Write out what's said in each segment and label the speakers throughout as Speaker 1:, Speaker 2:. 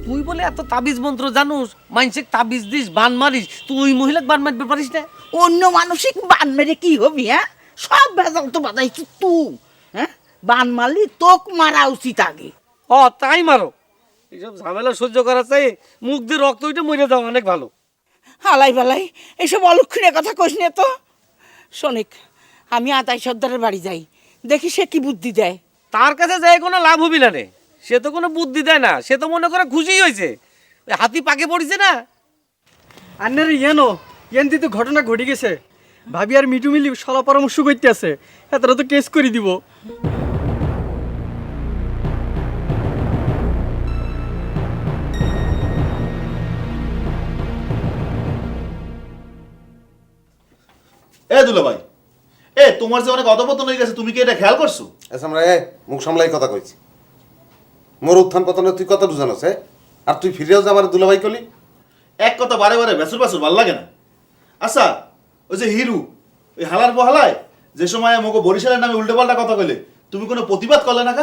Speaker 1: তুই বলে এত তাবিজ মন্ত্র জানুস, মানসিক তাবিজ দিস, বান মারিস, তুই মহিলাকে বান মারতে পারিস না?
Speaker 2: অন্য মানসিক বান মেরে কি হবি? হ্যাঁ, সব ভেজাল তো বাজাইছিস তুই। হ্যাঁ, বান মারলি তোক মারা উচিত আগে।
Speaker 1: তাই মারো। এইসব ঝামেলা সহ্য করা চাই, মুখ দিয়ে রক্ত উঠে মরে যাওয়া অনেক ভালো।
Speaker 2: হালাই বালাই এসব অলক্ষণের কথা কইস না তো। শোনিক, আমি আতাই সর্দারের বাড়ি যাই, দেখি সে কি বুদ্ধি দেয়।
Speaker 1: তার কাছে যাই কোনো লাভ হবি না রে, সে তো কোনো বুদ্ধি দেয় না, সে তো মনে করে খুশি হয়েছে, ওই হাতি পাকে পড়েছে না।
Speaker 3: আন্নার ইয়েনো ইয়েন তো ঘটনা ঘটে গেছে। ভাবি আর মিটু মিলি সলা পরামর্শ করতে আছে, এতটা তো কেস করে দিব।
Speaker 4: এ দুলা ভাই, এ তোমার যে অনেক অধপতন হয়ে গেছে, তুমি কি এটা খেয়াল করছো?
Speaker 5: আচ্ছা আমরা মুখ সামলাই কথা কইছি। মোর উত্থান পতনে তুই কত জানোস? আর তুই ফিরেও যা আমার দুলাভাই কলি।
Speaker 4: এক কথা বারে বারে বেসুর বাসুর ভাল লাগে না। আচ্ছা, ওই যে হিরু, ওই হালার বহালায় যে সময় মোকে বরিশালের নামে উল্টো পাল্টা কথা কইলে, তুমি কোনো প্রতিবাদ করলে না কা?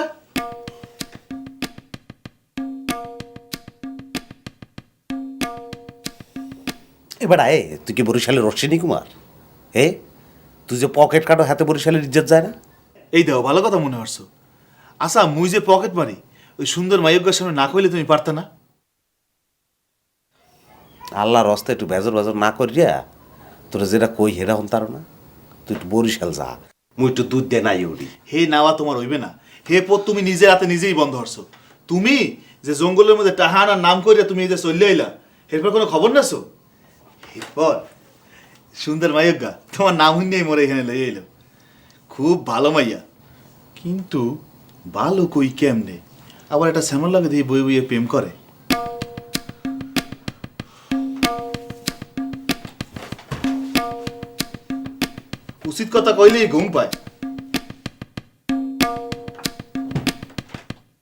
Speaker 5: এবার আয়, তুই কি বরিশালের রশ্মিনী কুমার? তুই যে পকেট কাটো হাতে বরিশালের ইজ্জত যায় না?
Speaker 4: এই দেখো ভালো কথা মনে হচ্ছে। আচ্ছা, মুই যে পকেট মারি, ওই সুন্দর মাইয়কের সামনে না কইলে তুমি পারতে না?
Speaker 5: আল্লাহর হস্তে একটু বেজর বেজর না করিয়া তোরা যেটা কই হেরা হন তার না। তুই একটু বরিশাল যা, মুই একটু দুধ দে নাই উড়ি।
Speaker 4: হে নাওয়া তোমার হইবে না। হে পথ তুমি নিজের হাতে নিজেই বন্ধ হরছো। তুমি যে জঙ্গলের মধ্যে টাহানার নাম করিয়া তুমি এই যে চলে আইলা, এরপর কোনো খবর নেছো? এরপর সুন্দর মাইয়গা তোমার নাম শুনিয়াই মরে এখানে লই এলো। খুব ভালো মাইয়া, কিন্তু ভালো কই কেমনে? আবার একটা শ্যামল লাগে দিয়ে বই বইয়ে প্রেম করে। উচিত কথা কইলেই ঘুম পায়।